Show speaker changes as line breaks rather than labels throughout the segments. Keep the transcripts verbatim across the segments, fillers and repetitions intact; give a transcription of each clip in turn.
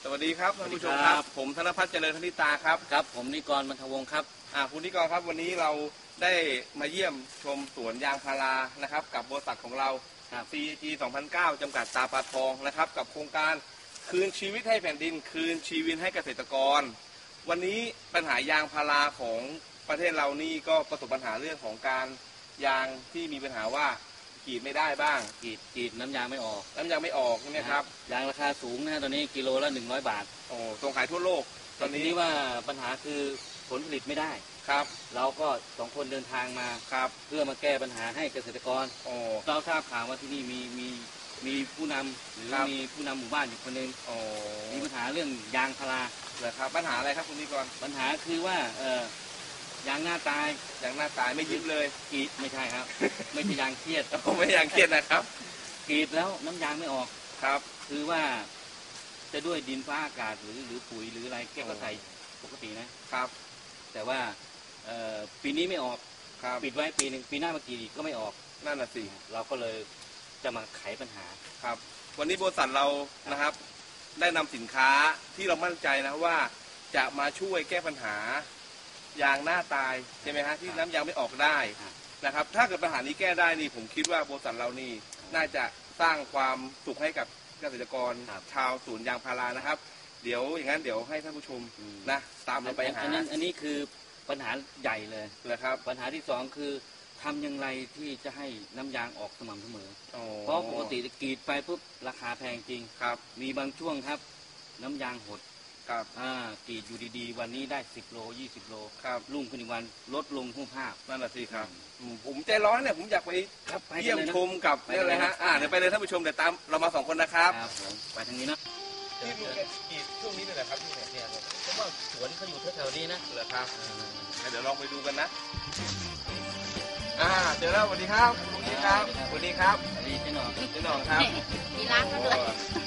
สวัสดีครับท่านผู้ชมครับผมธนพัฒน์เจริญธนิตาครับ
ครับผมนิกรบรรทวงศ์ครับ
อ่าคุณนิกรครับวันนี้เราได้มาเยี่ยมชมสวนยางพารานะครับกับบริษัทของเรา ซี จี สองพันเก้า จำกัดตาปลาทองนะครับกับโครงการคืนชีวิตให้แผ่นดินคืนชีวิตให้เกษตรกรวันนี้ปัญหายางพาราของประเทศเรานี่ก็ประสบปัญหาเรื่องของการยางที่มีปัญหาว่ากรีดไม่ได้บ้าง
กรีดกรีดน้ำยางไม่ออก
น้ำยางไม่ออกใช่ไหมครับ
ยางราคาสูงนะตอนนี้กิโลละหนึ่งร้อยบาท
โอ้ส่งขายทั่วโลก
ตอนนี้ว่าปัญหาคือผลผลิตไม่ได้
ครับ
เราก็สองคนเดินทางมา
ครับ
เพื่อมาแก้ปัญหาให้เกษตรกร
โอ้
เราทราบข่าวว่าที่นี่มีมีมีผู้นำหรือมีผู้นำหมู่บ้านอยู่คนหนึ่ง
โอ้
มีปัญหาเรื่องยางพารา
เหรอครับปัญหาอะไรครับคุณนิกร
ปัญหาคือว่าเออยางหน้าตาย
ยางหน้าตายไม่ยิ้มเลย
กรีดไม่ใช่ครับไม่ใช่ยางเครียด
ไม่ยางเครียดนะครับ
กรีดแล้วน้ำยางไม่ออก
ครับ
คือว่าจะด้วยดินฟ้าอากาศหรือหรือปุ๋ยหรืออะไรแก้ก็ใส่ปกตินะครับแต่ว่าปีนี้ไม่ออกปิดไว้ปีหนึ่งปีหน้ามากี่ก็ไม่ออก
นั่นน่ะสิ
เราก็เลยจะมาไขปัญหา
ครับวันนี้บริษัทเรานะครับได้นำสินค้าที่เรามั่นใจนะว่าจะมาช่วยแก้ปัญหายางหน้าตายใช่ไหมฮะที่น้ำยางไม่ออกได้นะครับถ้าเกิดปัญหานี้แก้ได้นี่ผมคิดว่าบริษัทเรานี่น่าจะสร้างความสุขให้กับเกษตรกรชาวสวนยางพารานะครับเดี๋ยวอย่างนั้นเดี๋ยวให้ท่านผู้ชมนะตามเราไปหา
อันนี้อันนี้คือปัญหาใหญ่เลย
นะครับ
ปัญหาที่สองคือทำอย่างไรที่จะให้น้ำยางออกสม่ำเสมอเพราะปกติกรีดไปปุ๊บราคาแพงจริง
ครับ
มีบางช่วงครับน้ำยางหด
ครับ
อ่ากรีดอยู่ดีๆวันนี้ได้สิบโลยี่สิบโล
ครับ
รุ่งขึ้นอีกวันลดลงหุ้มภาพ
นั่นแหละสิครับผมใจร้อนเนี่ยผมอยากไปเยี่ยมชมกับนี่อะไรฮะอ่าเดี๋ยวไปเลยท่านผู้ชมเดี๋ยวตามเรามาสองคนนะครับ
ครับผมไปทางนี้นะ
ที่ดูแกกรีดช่วงนี้เลยนะครับที่เนี่ย
เพราะว่าสวนเขาอยู่แถวๆนี้นะ
เหรอครับเดี๋ยวลองไปดูกันนะอ่าเจอแล้วสวัสดีครับสวัสดีครับสวัสดีครับ
สวัสดีเจ๊หน่อง
เจ๊หน่องครับ
มีร้านด้วย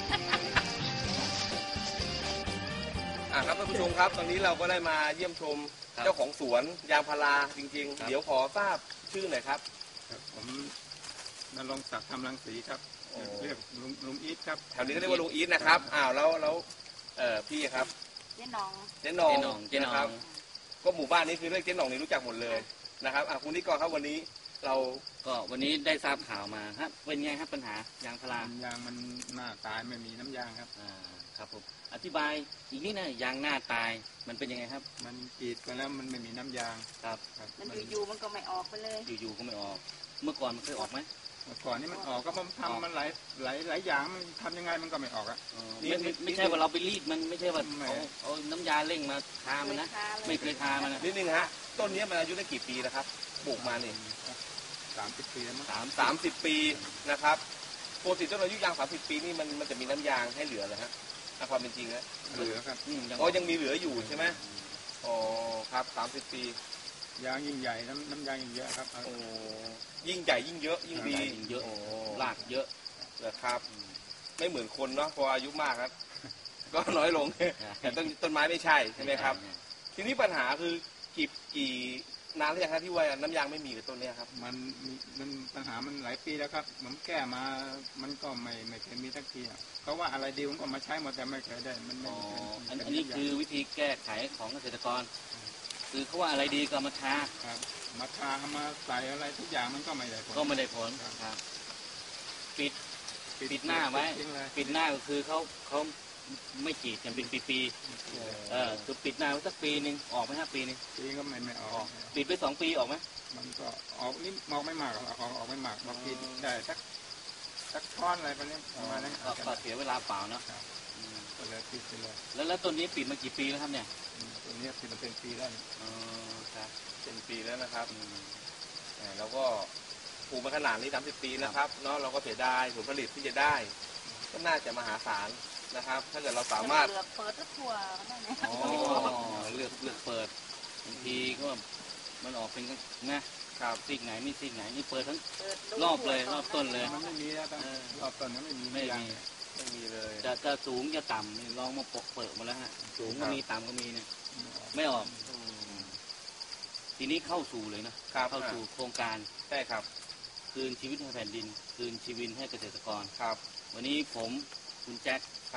อ่าครับท่านผู้ชมครับตอนนี้เราก็ได้มาเยี่ยมชมเจ้าของสวนยางพาราจริงๆเดี๋ยวขอทราบชื่อหน่อยครับ
ผมนรงค์ศักดิ์ธรรมรังสีครับเรียกลุงลุงอีทครับ
แถวนี้ก็เรียกว่าลุงอีทนะครับอ้าวแล้วแล้วเอ่อพี่ครับ
เจ๊หน่อง
เจ๊หน่อง
เจ๊หน่อง
ก็หมู่บ้านนี้คือเรียกเจ๊หน่องนี่รู้จักหมดเลยนะครับอ่าคุณนิกรครับวันนี้เรา
ก็วันนี้ได้ทราบข่าวมาครับเป็นไงครับปัญหายางพาร
ายางมันหน้าตายไม่มีน้ำยางครับ
อ่าครับผมอธิบายอีกนิดนะยางหน้าตายมันเป็นยังไงครับ
มันกรีดไปแล้วมันไม่มีน้ำยาง
ครับ
มันอยู่ๆมันก็ไม่ออกไปเลย
อยู่ๆก็ไม่ออกเมื่อก่อนมันเคยออกไหม
เมื่อก่อนนี่มันออกก็มันทำมันหลายหลายหลายอย่างมันทำยังไงมันก็ไม่ออกอ่ะ
ไม่ไม่ใช่ว่าเราไปรีดมันไม่ใช่ว่าเอาเอาน้ำยาเร่งมาทามันนะไม่เคยทามัน
นิดนึงฮะต้นนี้มันอายุได้กี่ปีแล้วครับปลูกมาเนี่ย
สามสิบปีแล้วมั้ง
สามสามสิบปีนะครับปกติต้นอายุยางสามสิบปีนี่มันมันจะมีน้ำยางให้เหลือเลยฮะความเป็นจริงนะ
เหลือครับ
อ๋อยังมีเหลืออยู่ใช่ไหมอ๋อครับสามสิบปี
ยางยิ่งใหญ่น้ำน้ำยางยิ่งเยอะครับ
โอ้ยิ่งใหญ่ยิ่งเยอะยิ่งดี
ยิ่งเยอะรากเยอะ
นะครับไม่เหมือนคนเนาะพออายุมากครับก็น้อยลงแต่ต้นต้นไม้ไม่ใช่ใช่ไหมครับทีนี้ปัญหาคือกี่กี่นานแล้วยังครับที่ว่าน้ำยางไม่มีกับต้นนี้ครับ
มันมันปัญหามันหลายปีแล้วครับผมแก้มามันก็ไม่ไม่เคยมีสักทีเขาว่าอะไรดีผมก็มาใช้หมดแต่ไม่เคยได้มัน
อ๋ออันนี้คือวิธีแก้ไขของเกษตรกรคือเขาว่าอะไรดีก็มาทา
ครับมาทามาใส่อะไรทุกอย่างมันก็ไม่ได้ผล
ก็ไม่ได้ผลครับปิดปิดหน้าไว้ปิดหน้าก็คือเขาเขาไม่กรีดกันเป็นปีๆเออคือปิดหน้าไว้สักปีหนึ่งออกไหมฮะปีนึง
ปีก็ไม่ไม่ออก
ปิดไปสองปีออกไหม
มันก็ออกนี่มองไม่มากออกออกไม่มากบางทีได้สักสักท่อนอะไรประมาณนี้ประมาณนั้น
ก็เสียเวลาเปล่าเนาะ
ก็เลยปิดไปเลย
แล้วแล้วต้นนี้ปิดมากี่ปีแล้วครับเนี่ย
ต้นนี้ปิดมาเป็นปีแล้ว
อ๋อครับ
เป็นปีแล้วนะครับแล้วก็ปลูกมาขนาดนี้สามสิบปีนะครับเนาะเราก็เสียดายผลผลิตที่จะได้ก็น่าจะมหาศาลนะครับถ้าเกิดเราสามารถ
เลือกเปิดทั่วได้ไหม
อ๋อเลือกเลือกเปิดบางทีก็มันออกเป็นนะครับซีกไหนไม่ซีกไหนนี่เปิดทั้งรอบเลยรอบต้นเลย
มันไม่มีแล้วรอบต้นไม่มี
ไม่มี
ไม่มีเลย
จะจะสูงจะต่ำลองมาปกเปิดมาแล้วฮะสูงก็มีต่ำก็มีเนี่ยไม่ออกทีนี้เข้าสู่เลยนะเข้าสู่โครงการ
ใช่ครับ
คืนชีวิตให้แผ่นดินคืนชีวิตให้เกษตรกร
ครับ
วันนี้ผมคุณแจ็ค
ครับ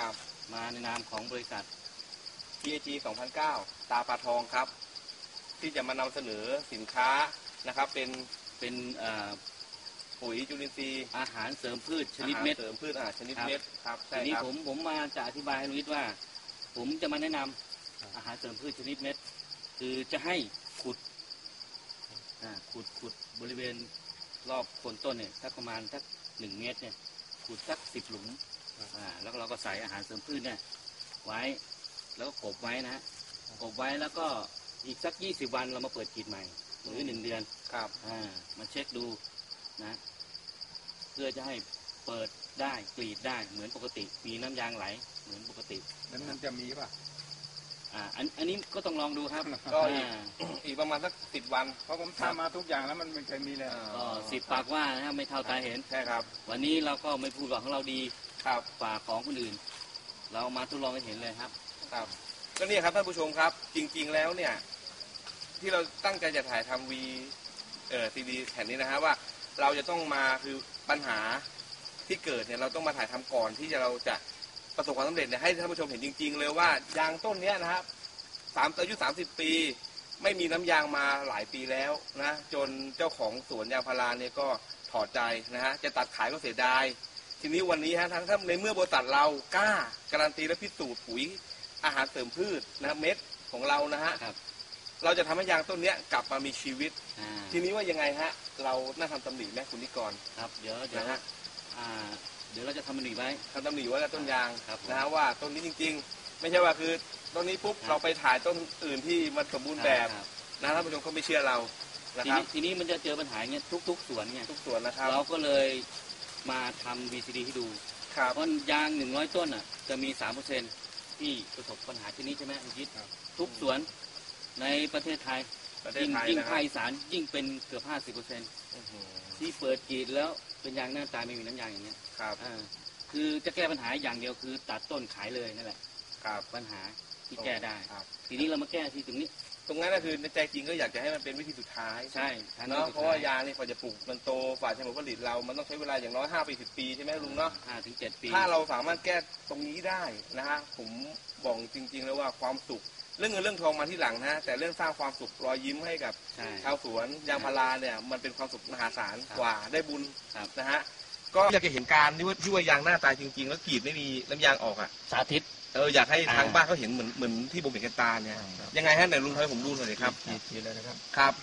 มาในนามของบริษัท
พี เอ จี สองพันเก้า ตาปลาทองครับ ที่จะมานำเสนอสินค้านะครับ เป็น
เป็นเอ่อ
ปุ๋ยจุลินทรีย์
อาหารเสริมพืชชนิดเม็ด
อาหารเสริมพืชอาหารชนิดเม็ดครับใช่
ทีนี้
ครับ
ผมผมมาจะอธิบายให้ลุงนิดว่า ผมจะมาแนะนำอาหารเสริมพืชชนิดเม็ด คือจะให้ขุดอ่าขุดขุดบริเวณรอบโคนต้นเนี่ยสักประมาณสักหนึ่งเมตรเนี่ยขุดสักสิบหลุมอ่าแล้วเราก็ใส่อาหารเสริมพืชเนี่ยไว้แล้วก็กบไว้นะฮะกบไว้แล้วก็อีกสักยี่สิบวันเรามาเปิดกรีดใหม่หรือหนึ่งเดือน
ครับ
อ่ามาเช็คดูนะเพื่อจะให้เปิดได้กรีดได้เหมือนปกติ มีน้ำยางไหลเหมือนปกติ
แล้วมันจะมีป่ะ
อ่าอันอันนี้ก็ต้องลองดูครับ
ก็อีก
อ่า
อีกประมาณสักสิบวัน
เพราะผมทำมาทุกอย่างแล้วมันไม่เคยมีเลย
ก็สิบปากว่านะครับไม่เท่าตาเห็น
ใช่ครับ
วันนี้เราก็ไม่พูดว่าของเราดี
ครับ
ฝ่าของคนอื่น เรามาทดลองให้เห็นเลยครับ
ครับก็เนี่ยครับท่านผู้ชมครับ จริงๆแล้วเนี่ยที่เราตั้งใจจะถ่ายทำวีเอ่อซีดีแผ่นนี้นะฮะว่าเราจะต้องมาคือปัญหาที่เกิดเนี่ยเราต้องมาถ่ายทำก่อนที่จะเราจะประสบความสำเร็จเนี่ยให้ท่านผู้ชมเห็นจริง ๆ เลยว่ายางต้นเนี้ยนะครับสามอายุสามสิบปี ไม่มีน้ำยางมาหลายปีแล้วนะจนเจ้าของสวนยางพาราเนี่ยก็ถอดใจนะฮะจะตัดขายก็เสียดายทีนี้วันนี้ฮะทั้งท่านในเมื่อบริษัทเรากล้าการันตีและพิสูจน์ปุ๋ยอาหารเสริมพืชนะเม็ดของเรานะฮะ
ครับ
เราจะทำให้ยางต้นเนี้ยกลับมามีชีวิต
อ่า
ทีนี้ว่ายังไงฮะเราน่าทำตำหนิไหมคุณนิกร
ครับเดี๋ยวเดี๋ยว
นะฮะ
อ่าเดี๋ยวเราจะทำมันอีกไว้
ทำตำหนิไว้กับต้นยาง
ครับผม
นะฮะว่าต้นนี้จริง ๆ ไม่ใช่ว่าคือต้นนี้ปุ๊บ
ครับ
เราไปถ่ายต้นอื่นที่มันสมบูรณ์แบบ
ครับ
นะท่านผู้ชมเขาไม่เชื่อเรานะ
ที
ครั
นี้
บ
ทีนี้มันจะเจอปัญหาเงี้ยทุกๆสวนเนี่ย
ทุกส่วนนะครับ
เราก็เลยมาทำ วี ซี ดี ให้ดู
ครับ
เพราะยางหนึ่งร้อยต้นอ่ะจะมีสามเปอร์เซ็นต์ที่ประสบปัญหาชนิดใช่ไหมคุณยิททุกสวนในประเทศไทย
ประเทศ
ยิ่ง
ไทย
ยิ่ง
นะค
ภา
รับ
คอีสานยิ่งเป็นเกือบห้าสิบเปอร์เซ็นต์
อื้อหือ
ที่เปิดกรีดแล้วเป็นยางหน้าตายไม่มีน้ำยางอย่างเงี้ย
ครับ
อ่าคือจะแก้ปัญหาอย่างเดียวคือตัดต้นขายเลยนั่นแหละ
ครับ
ปัญหาที่แก้ได้
ครับ
ทีนี้เรามาแก้ที่ตรงนี้
ตรงนั้นก็คือในใจจริงก็อยากจะให้มันเป็นวิธีสุดท้าย
ใช่ทาง
เนาะ
สุด
เพราะว่ายางนี่กว่าจะปลูกมันโตฝ่าจะผลผลิตเรา มันต้องใช้เวลาอย่างน้อยห้าปีสิบปีใช่ไหมลุงเนาะ
ห้าถึงเจ็ดปี
ถ้าเราสามารถแก้ตรงนี้ได้นะฮะผมบอกจริงๆแล้วว่าความสุขเรื่องเงินเรื่องทองมาที่หลังนะฮะแต่เรื่องสร้างความสุขรอยยิ้มให้กับ
ใช่
ชาวสวนยางพาราเนี่ยมันเป็นความสุขมหาศาล
ครับ
กว่าได้บุญ
ครับ
นะฮะก็อยากจะเห็นการที่ว่าที่ว่ายางหน้าตายจริงๆ แล้วกรีดไม่มีน้ำยางออกอ่ะ
สาธิต
เอออยากให้
อ่า
ทางบ้านเขาเห็นเหมือนเหมือนที่ผมเห็นกันตาเนี่ยยังไงฮะไหนลุงทำให้ผมดูหน่อยดิครับ
ขีดขีดเลยนะครับ
ครับ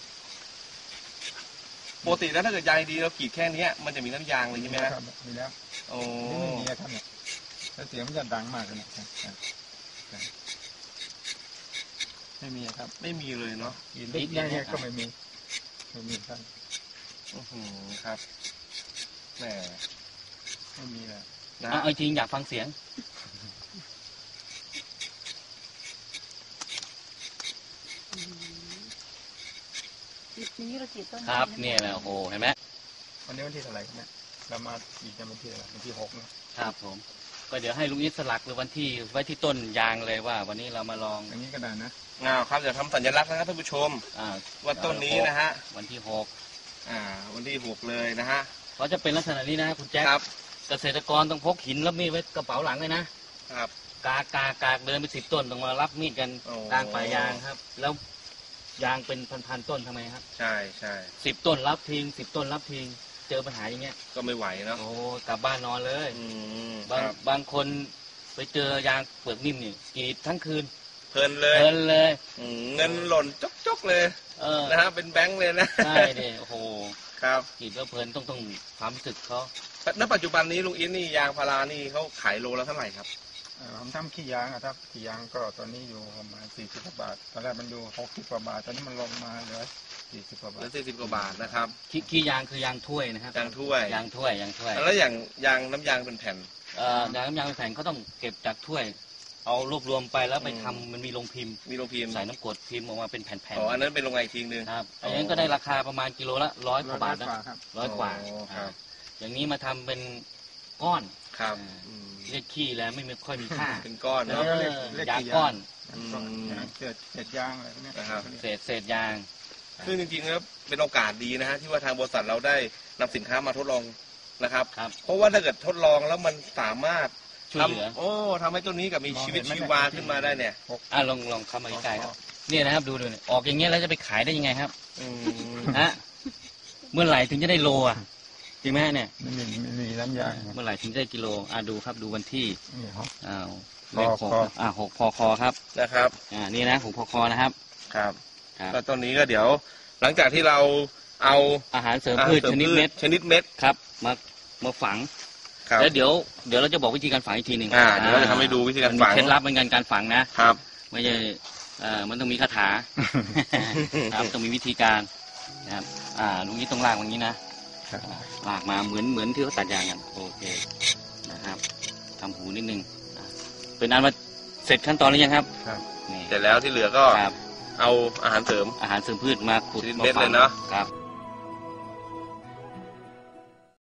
ปกติแล้วถ้าเกิดยางดีเรากรีดแค่เนี้ยมันจะมีน้ำยางเลยใช่ไหมฮะ
ครับมีแล้ว
โอ้
นี่ไม่มีนะครับเนี่ยแล้วเสียงมันจะดังมากเลยเนี่ยครับครับไม่มีครับ
ไม่มีเลยเนาะ
ขีดเล็กๆเนี่ยก็ไม่มีไม่มีครับ
อื้อหือครับแหม
ไม่มีเลย
นะ
เอา
ฮะ
เอาจริงอยากฟังเสียง
นี้เราจีบต้น
ครับเนี่ยแหละโอ้โหเห็นไหม
วันนี้วันที่เท่าไหร่ครับเนี่ยเรามาอีกจะวันที่อะไรวันที่หกนะครับ
ผมก็เดี๋ยวให้ลุงนิดสลักหรือวันที่ไว้ที่ต้นยางเลยว่า วันนี้เรามาลอง
อย่างนี้ก็ได้นะ
อ้าวครับจะทำสัญลักษณ์นะครับท่านผู้ชม
อ่า
ว่าต้นนี้นะฮะ
วันที่หก
อ่า วันที่หกเลยนะฮะ
เขาจะเป็นลักษณะนี้นะคุณแจ๊ค
ครับ
เกษตรกรต้องพกหินแล้วมีดไว้กระเป๋าหลังเลยนะครับ กากากากเดินไปสิบต้นต้องมารับมีดกัน
โอ้
กลางป่ายางครับ แล้วยางเป็นพันๆต้นทำไมครับ
ใช่ใช่
สิบต้นรับทิ้งสิบต้นรับทิ้งเจอปัญหาอย่างเงี้ย
ก็ไม่ไหวเนาะ
โอ้กลับบ้านนอนเลย
อืม
บาง
ครับ
บางคนไปเจอยางเปลือกนิ่มนี่กรีดทั้งคืน
เพลินเลย
เพลินเลย
อืมเงินหล่นจกๆเลย
เออ
นะฮะเป็นแบงค์เลยนะ
ใช่ดิโอ้โห
ครับ
กรีดแล้วเพลินต้องต้องความรู้สึกเขา
ณปัจจุบันนี้ลุงอินนี่ยางพารานี่เขาขายโลละเท่าไหร่ครับ
เอ่อผมทำขี้ยางอะครับขี้ยางก็ตอนนี้อยู่ประมาณสี่สิบกว่าบาท ตอนแรกมันอยู่หกสิบกว่าบาท ตอนนี้มันลงมาเหลือสี่สิบกว่า
เห
บา
ลื
ท
อสี่สิบกว่าบาทนะครับ
ขี้ขี้ยางคือยางถ้วยนะครับ
ยางถ้วย
ยางถ้วยยางถ้วย
แล้วอย่างยางน้ำยางเป็นแผ่น
เอ่อยางน้ำยางแผ่นเขาต้องเก็บจากถ้วย เอารวบรวมไปแล้วไป
อืม
ทำมันมีโรงพิมพ์
มีโรงพิมพ์
ใส่น้ำกรดพิมพ์ออกมาเป็นแผ่น
อ๋ออันนั้นเป็นโรงงานอีกทีนึง
ๆครับ
อ๋ออั
อันนั้นก็ได้ราคาประมาณกิโลละร้อยกว่าบาทนะ
ร้อยกว่าครับ
ร้อยกว่า
อ๋อครับ
อย่างนี้มาทำเป็นก้อน
ครับ
อ่า
อืม
เรียกขี้แล้วไม่ค่อยมีค่า
เป็นก้อน
เอ
เนาะ
เรียก
อ
เรียก
ยาง
ขี้
ก้อน
อืม
ยางเศษเศษยางอะไรพวกเนี้ย
นะครับ
เศษเศษยาง
ซึ่งจริงๆแล้วเป็นโอกาสดีนะฮะที่ว่าทางบริษัทเราได้นำสินค้ามาทดลองนะครับ
ครับ
เพราะว่าถ้าเกิดทดลองแล้วมันสามารถ
ช่วยเหลือ
ทำโอ้ทำให้ต้นนี้กับมีชีวิตชีวาขึ้นมาได้เนี่ย
อ่ะลองลองเข้ามาใกล้ๆครับเนี่ยนะครับดูดูเนี่ยออกอย่างเงี้ยแล้วจะไปขายได้ยังไงครับ
อืม
ฮะเมื่อไหร่ถึงจะได้โลอ่ะจริงไหมฮะเนี่ย
ไม่มีไม่มีน้ำยาง
เมื่อไหร่ถึงจะได้กิโลอ่ะดูครับดูวันที่
นี่ครับ
อ้าว
พอ
เลขหก
คอ
อ่ะหกพอคอครับ
นะครับ
อ่านี่นะหกพอคอนะครับ
ครับ
ครับ
ก็ต้นนี้ก็เดี๋ยว หลังจากที่เราเอา
อาหารเสริมพืชชนิดเม็ด
ชนิดเม็ด
ครับมามาฝัง
ครับ
แล้วเดี๋ยวเดี๋ยวเราจะบอกวิธีการฝังอีกทีหนึ่ง
อ่าเดี๋ยวเราจะทำให้ดูวิธีการฝัง
มันมีเคล็ดลับเหมือนกันการฝังนะครับ ไม่ใช่เอ่อมันต้องมีคาถา ครับต้องมีวิธีการนะครับอ่าลุงนี้ต้องลากอย่างนี้นะครับ ลากมาเหมือนเหมือนที่เขาตัดยางกันโอเคนะครับทำหูนิดนึงอ่ะเป็นอันว่าเสร็จขั้นตอนหรือยังครับ
ครับ
นี่
เสร็จแล้วที่เหลือก็
ครับ
เอาอาหารเสริม
อาหารเสริมพืชมาขุด
ชนิด
มา
เม็ด
ฝั
เล
ง
ยเนอะ
ครับ